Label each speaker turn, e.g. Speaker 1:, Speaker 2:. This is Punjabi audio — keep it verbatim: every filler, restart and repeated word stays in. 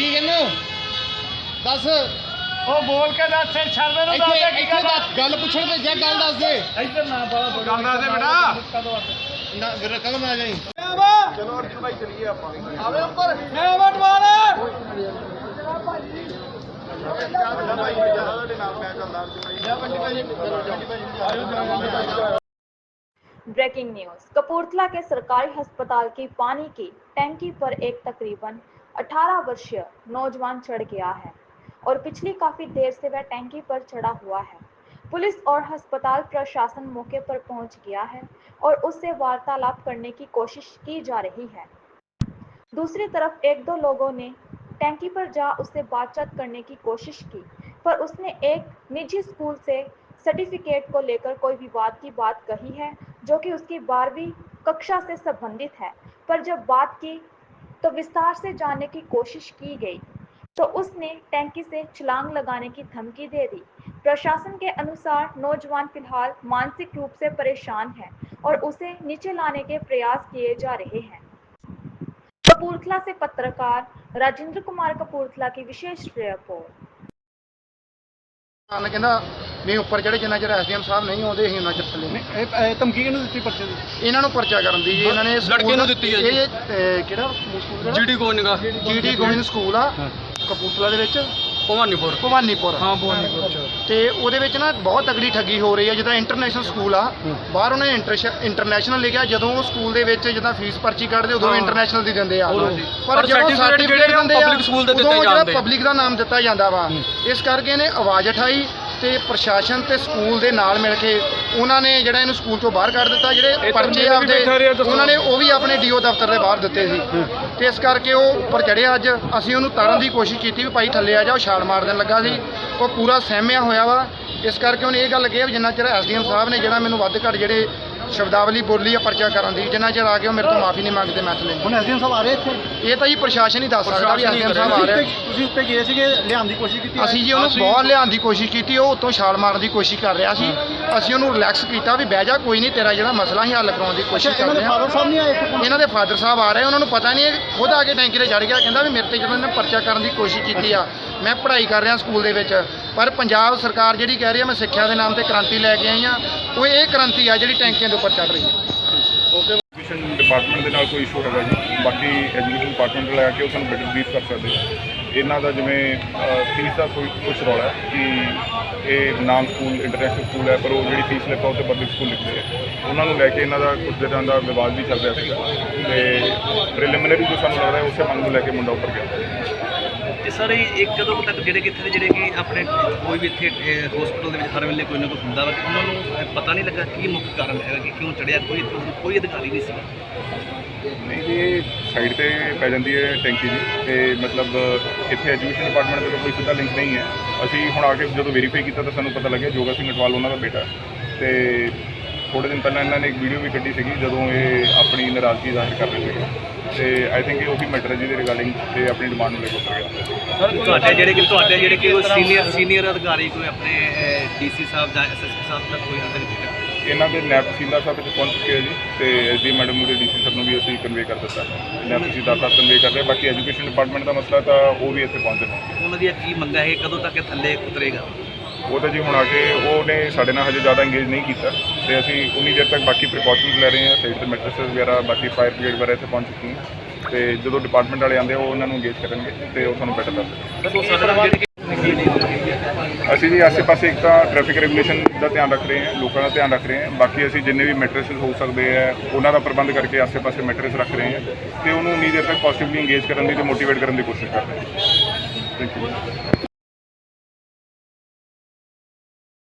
Speaker 1: ਕੀ ਕਹਿੰਦੇ ਦੱਸ
Speaker 2: ਉਹ ਬੋਲ ਕੇ ਦੱਸ ਛੱਡ ਦੇ ਨੂੰ ਦੱਸ ਦੇ ਕੀ ਕਰਦਾ
Speaker 1: ਗੱਲ ਪੁੱਛਣ ਤੇ ਜੇ ਗੱਲ ਦੱਸ ਦੇ
Speaker 2: ਇੱਧਰ ਨਾ ਬਾਲਾ
Speaker 1: ਗੱਲ ਦੱਸ ਦੇ ਬੇਟਾ ਨਾ ਵੀਰ ਕਦੋਂ ਆ ਜਾਈ
Speaker 2: ਚਲੋ ਅਰਜੁਨ ਭਾਈ ਚਲੀਏ ਆਪਾਂ ਆਵੇ ਉੱਪਰ ਮੈਂ ਵਟਵਾਲ
Speaker 3: ब्रेकिंग न्यूज। कपूरथला के सरकारी अस्पताल की पानी की टैंकी पर एक तकरीबन अठारह वर्षीय नौजवान चढ़ गया है और पिछली काफी देर से वह टैंकी पर चढ़ा हुआ है। पुलिस और अस्पताल प्रशासन मौके पर पहुंच गया है और उससे वार्तालाप करने की कोशिश की जा रही है। दूसरी तरफ एक दो लोगों ने टैंकी पर जा उससे बातचीत करने की कोशिश की, पर उसने एक निजी स्कूल से सर्टिफिकेट को लेकर कोई विवाद की बात कही है, जो कि उसकी बारहवीं कक्षा से संबंधित है। पर जब बात की तो विस्तार से जानने की कोशिश की गई तो उसने टैंकी से छलांग लगाने की धमकी दे दी। प्रशासन के अनुसार नौजवान फिलहाल मानसिक रूप से परेशान है और उसे नीचे लाने के प्रयास किए जा रहे हैं। कपूरथला से पत्रकार राजेंद्र कुमार कपूरथला की विशेष रिपोर्ट।
Speaker 1: ਕਹਿੰਦਾ ਨਹੀਂ ਉੱਪਰ ਜਿਹੜੇ ਜਿੰਨਾ ਚਿਰ ਐਸਡੀਐਮ ਸਾਹਿਬ ਨਹੀਂ ਆਉਂਦੇ ਅਸੀਂ ਉਹਨਾਂ ਚਿਰ ਥੱਲੇ ਨਹੀਂ
Speaker 2: ਇਹ ਧਮਕੀ ਕਿਹਨੂੰ ਦਿੱਤੀ ਪਰਚੇ ਦੀ
Speaker 1: ਇਹਨਾਂ ਨੂੰ ਪਰਚਾ ਕਰਨ ਦੀ ਜੀ ਇਹਨਾਂ ਨੇ
Speaker 4: ਲੜਕੇ ਨੂੰ ਦਿੱਤੀ ਹੈ ਜੀ।
Speaker 1: ਇਹ ਅਹ, ਕਿਹੜਾ school
Speaker 4: GD Goenka
Speaker 1: GD Goenka school ਆ ਕਪੂਰਥਲਾ ਦੇ ਵਿੱਚ
Speaker 4: ਭਵਾਨੀਪੁਰ
Speaker 1: ਭਵਾਨੀਪੁਰ
Speaker 4: ਹਾਂ ਭਵਾਨੀਪੁਰ ਚ
Speaker 1: ਤੇ ਉਹਦੇ ਵਿੱਚ ਨਾ ਬਹੁਤ ਤਗੜੀ ਠੱਗੀ ਹੋ ਰਹੀ ਹੈ। ਜਿੱਦਾਂ ਇੰਟਰਨੈਸ਼ਨਲ ਸਕੂਲ ਆ ਬਾਹਰ ਉਹਨੇ ਇੰਟਰਨੈਸ਼ਨਲ ਲਿਖਿਆ, ਜਦੋਂ ਉਹ ਸਕੂਲ ਦੇ ਵਿੱਚ ਜਿੱਦਾਂ ਫੀਸ ਪਰਚੀ ਕੱਢਦੇ ਉਦੋਂ ਇੰਟਰਨੈਸ਼ਨਲ ਦੀ ਦਿੰਦੇ ਆ, ਪਰ ਜਦੋਂ ਸਰਟੀਫਿਕੇਟ ਦਿੰਦੇ ਆ
Speaker 4: ਪਬਲਿਕ ਸਕੂਲ ਦੇ
Speaker 1: ਉਦੋਂ
Speaker 4: ਦਿੱਤੇ
Speaker 1: ਜਿਹੜਾ
Speaker 4: ਜਾਂਦੇ
Speaker 1: ਪਬਲਿਕ ਦਾ ਨਾਮ ਦਿੱਤਾ ਜਾਂਦਾ ਵਾ। ਇਸ ਕਰਕੇ ਇਹਨੇ ਆਵਾਜ਼ ਉਠਾਈ ਤੇ ਪ੍ਰਸ਼ਾਸਨ ਤੇ ਸਕੂਲ ਦੇ ਨਾਲ ਮਿਲ ਕੇ ਉਹਨਾਂ ਨੇ ਜਿਹੜਾ ਇਹਨੂੰ ਸਕੂਲ ਤੋਂ ਬਾਹਰ ਕੱਢ ਦਿੱਤਾ। ਜਿਹੜੇ ਪਰਚੇ ਆਪਦੇ ਉਹਨਾਂ ਨੇ ਉਹ ਵੀ ਆਪਣੇ ਡੀਓ ਦਫ਼ਤਰ ਦੇ ਬਾਹਰ ਦਿੱਤੇ ਸੀ ਤੇ ਇਸ ਕਰਕੇ ਉਹ ਉੱਪਰ ਚੜ੍ਹਿਆ। ਅੱਜ ਅਸੀਂ ਉਹਨੂੰ ਤਾਰਨ ਦੀ ਕੋਸ਼ਿਸ਼ ਕੀਤੀ ਵੀ ਭਾਈ ਥੱਲੇ ਆ ਜਾ, ਉਹ ਛਾਲ ਮਾਰ ਦੇਣ ਲੱਗਾ ਸੀ। ਉਹ ਪੂਰਾ ਸਹਿਮਿਆ ਹੋਇਆ ਵਾ। ਇਸ ਕਰਕੇ ਉਹਨੇ ਇਹ ਗੱਲ ਕਹੀ ਵੀ ਜਿੰਨਾ ਚਿਰ ਐਸਡੀਐਮ ਸਾਹਿਬ ਨੇ ਜਿਹੜਾ ਮੈਨੂੰ ਵੱਧ ਘੱਟ ਜਿਹੜੇ ਸ਼ਬਦਾਵਲੀ ਬੋਲੀ ਆ ਪਰਚਾ ਕਰਨ ਦੀ, ਜਿੰਨਾ ਚਿਰ ਆ ਕੇ ਉਹ ਮੇਰੇ ਤੋਂ ਮਾਫੀ ਨਹੀਂ ਮੰਗਦੇ ਮੈਂ ਥੱਲੇ।
Speaker 2: ਹੁਣ ਐਸਡੀਐਮ ਸਾਹਿਬ ਆ ਰਹੇ ਇੱਥੇ?
Speaker 1: ਇਹ ਤਾਂ ਜੀ ਪ੍ਰਸ਼ਾਸਨ ਹੀ ਦੱਸ ਸਕਦਾ ਵੀ ਐਸਡੀਐਮ ਸਾਹਿਬ ਆ ਰਹੇ।
Speaker 2: ਤੁਸੀਂ ਉੱਤੇ ਗਏ ਸੀਗੇ, ਲਿਆਉਣ ਦੀ ਕੋਸ਼ਿਸ਼ ਕੀਤੀ?
Speaker 1: ਅਸੀਂ ਜੀ ਉਹਨੂੰ ਬਹੁਤ ਲਿਆਉਣ ਦੀ ਕੋਸ਼ਿਸ਼ ਕੀਤੀ, ਉਹ ਉੱਤੋਂ ਛਾਲ ਮਾਰਨ ਦੀ ਕੋਸ਼ਿਸ਼ ਕਰ ਰਿਹਾ ਸੀ। ਅਸੀਂ ਉਹਨੂੰ ਰਿਲੈਕਸ ਕੀਤਾ ਵੀ ਬਹਿ ਜਾ, ਕੋਈ ਨਹੀਂ, ਤੇਰਾ ਜਿਹੜਾ ਮਸਲਾ ਹੀ ਹੱਲ ਕਰਾਉਣ ਦੀ ਕੋਸ਼ਿਸ਼ ਕਰਦੇ ਹਾਂ।
Speaker 2: ਫਾਦਰ ਸਾਹਿਬ ਨਹੀਂ ਆਏ ਇੱਥੇ?
Speaker 1: ਇਹਨਾਂ ਦੇ ਫਾਦਰ ਸਾਹਿਬ ਆ ਰਹੇ, ਉਹਨਾਂ ਨੂੰ ਪਤਾ ਨਹੀਂ, ਖੁਦ ਆ ਕੇ ਟੈਂਕੀ ਤੇ ਚੜ ਗਿਆ। ਕਹਿੰਦਾ ਵੀ ਮੇਰੇ ਤੇ ਜਦੋਂ ਇਹਨੇ ਪਰਚਾ ਕਰਨ ਦੀ ਕੋਸ਼ਿਸ਼ ਕੀਤੀ ਆ, ਮੈਂ ਪੜ੍ਹਾਈ ਕਰ ਰਿਹਾ ਸਕੂਲ ਦੇ ਵਿੱਚ, ਪਰ ਪੰਜਾਬ ਸਰਕਾਰ ਜਿਹੜੀ ਕਹਿ ਰਹੀ ਆ ਮੈਂ ਸਿੱਖਿਆ ਦੇ ਨਾਮ ਤੇ ਕ੍ਰਾਂਤੀ ਲੈ ਕੇ ਆਈ ਆ, ਉਹ ਇਹ ਕ੍ਰਾਂਤੀ ਆ ਜਿਹੜੀ ਟੈਂਕੀਆਂ ਦੇ ਉੱਪਰ ਚੜ ਰਹੀ ਹੈ।
Speaker 5: ਐਜੂਕੇਸ਼ਨ ਡਿਪਾਰਟਮੈਂਟ ਦੇ ਨਾਲ ਕੋਈ ਇਸ਼ੂ ਹੈਗਾ ਜੀ, ਬਾਕੀ ਐਜੂਕੇਸ਼ਨ ਡਿਪਾਰਟਮੈਂਟ ਲੈ ਕੇ ਉਹ ਸਾਨੂੰ ਬੈਟਰ ਬਰੀਫ ਕਰ ਸਕਦੇ। ਇਹਨਾਂ ਦਾ ਜਿਵੇਂ ਫੀਸ ਦਾ ਕੋਈ ਕੁਛ ਰੌਲਾ ਹੈ ਕਿ ਇਹ ਨਾਮ ਸਕੂਲ ਇੰਟਰਨੈਸ਼ਨਲ ਸਕੂਲ ਹੈ, ਪਰ ਉਹ ਜਿਹੜੀ ਫੀਸ ਲਿਖਾ ਉਹ ਤੇ ਪਬਲਿਕ ਸਕੂਲ ਲਿਖਦੇ ਆ, ਉਹਨਾਂ ਨੂੰ ਲੈ ਕੇ ਇਹਨਾਂ ਦਾ ਕੁਝ ਦਿਨਾਂ ਦਾ ਵਿਵਾਦ ਵੀ ਚੱਲ ਰਿਹਾ ਸੀ ਤੇ ਪ੍ਰੀਲਿਮਿਨਰੀ ਜੋ ਸਾਨੂੰ ਲੱਗਦਾ ਉਸੇ ਮੰਗ ਨੂੰ ਲੈ ਕੇ ਮੁੰਡਾ ਉੱਪਰ ਗਿਆ।
Speaker 6: ਤੇ ਸਰ ਇੱਕ ਕਦੋਂ ਤੱਕ ਜਿਹੜੇ ਕਿ ਇੱਥੇ ਜਿਹੜੇ ਕਿ ਆਪਣੇ ਕੋਈ ਵੀ ਇੱਥੇ ਹਸਪੀਟਲ ਦੇ ਵਿੱਚ ਹਰ ਵੇਲੇ ਕੋਈ ਨਾ ਕੋਈ ਹੁੰਦਾ ਵਾ, ਕਿ ਉਹਨਾਂ ਨੂੰ ਪਤਾ ਨਹੀਂ ਲੱਗਾ ਕੀ ਮੁੱਖ ਕਾਰਨ ਹੈਗਾ ਕਿ ਕਿਉਂ ਚੜਿਆ, ਕੋਈ ਕੋਈ ਅਧਿਕਾਰੀ ਨਹੀਂ ਸੀ?
Speaker 5: ਨਹੀਂ ਜੀ, ਸਾਈਡ ਤੇ ਪੈ ਜਾਂਦੀ ਹੈ ਟੈਂਕੀ ਜੀ, ਤੇ ਮਤਲਬ ਇੱਥੇ ਐਜੂਕੇਸ਼ਨ ਡਿਪਾਰਟਮੈਂਟ ਦਾ ਕੋਈ ਸਿੱਧਾ ਲਿੰਕ ਨਹੀਂ ਹੈ। ਅਸੀਂ ਹੁਣ ਆ ਕੇ ਜਦੋਂ ਵੈਰੀਫਾਈ ਕੀਤਾ ਤਾਂ ਸਾਨੂੰ ਪਤਾ ਲੱਗਿਆ ਜੋਗਾ ਸਿੰਘ ਅਟਵਾਲ ਉਹਨਾਂ ਦਾ ਬੇਟਾ। ਤੇ ਥੋੜ੍ਹੇ ਦਿਨ ਪਹਿਲਾਂ ਇਹਨਾਂ ਨੇ ਇੱਕ ਵੀਡੀਓ ਵੀ ਕੱਢੀ ਸੀਗੀ ਜਦੋਂ ਇਹ ਆਪਣੀ ਨਾਰਾਜ਼ਗੀ ਜ਼ਾਹਿਰ ਕਰ ਰਹੇ ਸੀਗੇ, ਤੇ ਆਈ ਥਿੰਕ ਇਹ ਉਹੀ ਮੈਟਰ ਹੈ ਜਿਹਦੇ ਰਿਗਾਰਡਿੰਗ ਤੇ ਆਪਣੀ ਡਿਮਾਂਡ ਨੂੰ ਲੈ ਕੇ ਉੱਤਰ ਗਿਆ।
Speaker 6: ਸਰ ਤੁਹਾਡੇ ਜਿਹੜੇ ਕਿ ਤੁਹਾਡੇ ਜਿਹੜੇ ਕਿ ਸੀਨੀਅਰ ਸੀਨੀਅਰ ਅਧਿਕਾਰੀ ਕੋਈ ਆਪਣੇ ਡੀਸੀ ਸਾਹਿਬ ਜਾਂ ਐਸਐਸਪੀ ਸਾਹਿਬ ਤੱਕ ਕੋਈ ਹੱਦ ਨਹੀਂ?
Speaker 5: ਇਹਨਾਂ ਦੇ ਨੈਬ ਤਹਿਸੀਲਦਾਰ ਸਾਹਿਬ ਇੱਥੇ ਪਹੁੰਚ ਚੁੱਕੇ ਆ ਜੀ, ਤੇ ਐਸਡੀ ਮੈਡਮ ਨੂੰ ਤੇ ਡੀਸੀ ਸਾਹਿਬ ਨੂੰ ਵੀ ਅਸੀਂ ਕਨਵੇ ਕਰ ਦਿੱਤਾ। ਨੈਬ ਤਹਿਸੀਲਦਾਰ ਸਾਹਿਬ ਕਨਵੇ ਕਰ ਰਹੇ, ਬਾਕੀ ਐਜੂਕੇਸ਼ਨ ਡਿਪਾਰਟਮੈਂਟ ਦਾ ਮਸਲਾ ਤਾਂ ਉਹ ਵੀ ਇੱਥੇ ਪਹੁੰਚੇ ਨੇ।
Speaker 6: ਉਹਨਾਂ ਦੀ ਕੀ ਮੰਗ ਹੈ, ਕਦੋਂ ਤੱਕ ਇਹ ਥੱਲੇ ਉਤਰੇਗਾ?
Speaker 5: ਉਹ ਤਾਂ ਜੀ ਹੁਣ ਆ ਕੇ ਉਹਨੇ ਸਾਡੇ ਨਾਲ ਹਜੇ ਜ਼ਿਆਦਾ ਇੰਗੇਜ ਨਹੀਂ ਕੀਤਾ, ਤੇ ਅਸੀਂ ਉਨੀ ਦੇਰ ਤੱਕ ਬਾਕੀ ਪ੍ਰੀਕਾਸ਼ਨਸ ਲੈ ਰਹੇ ਹਾਂ। ਸਾਈਡ ਤੇ ਮੈਟਰਸਸ ਵਗੈਰਾ ਬਾਕੀ ਫਾਇਰ ਬ੍ਰਿਗੇਡ ਵਗੈਰਾ ਇੱਥੇ ਪਹੁੰਚ ਚੁੱਕੀ ਹੈ, ਤੇ ਜਦੋਂ ਡਿਪਾਰਟਮੈਂਟ ਵਾਲੇ ਆਉਂਦੇ ਉਹ ਉਹਨਾਂ ਨੂੰ ਇੰਗੇਜ ਕਰਨਗੇ ਤੇ ਉਹ ਸਾਨੂੰ ਬੈਟਰ ਦੱਸਣਗੇ। ਅਸੀਂ ਜੀ ਆਸੇ ਪਾਸੇ ਇੱਕ ਤਾਂ ਟ੍ਰੈਫਿਕ ਰੈਗੂਲੇਸ਼ਨ ਦਾ ਧਿਆਨ ਰੱਖ ਰਹੇ ਹਾਂ, ਲੋਕਾਂ ਦਾ ਧਿਆਨ ਰੱਖ ਰਹੇ ਹਾਂ, ਬਾਕੀ ਅਸੀਂ ਜਿੰਨੇ ਵੀ ਮੈਟਰਸਸ ਹੋ ਸਕਦੇ ਆ ਉਹਨਾਂ ਦਾ ਪ੍ਰਬੰਧ ਕਰਕੇ ਆਸੇ ਪਾਸੇ ਮੈਟਰਸ ਰੱਖ ਰਹੇ ਹਾਂ, ਤੇ ਉਹਨੂੰ ਉਨੀ ਦੇਰ ਤੱਕ ਪੋਜ਼ਿਟਿਵਲੀ ਇੰਗੇਜ ਕਰਨ ਦੀ ਤੇ ਮੋਟੀਵੇਟ ਕਰਨ ਦੀ ਕੋਸ਼ਿਸ਼ ਕਰ ਰਹੇ ਹਾਂ। Thank you.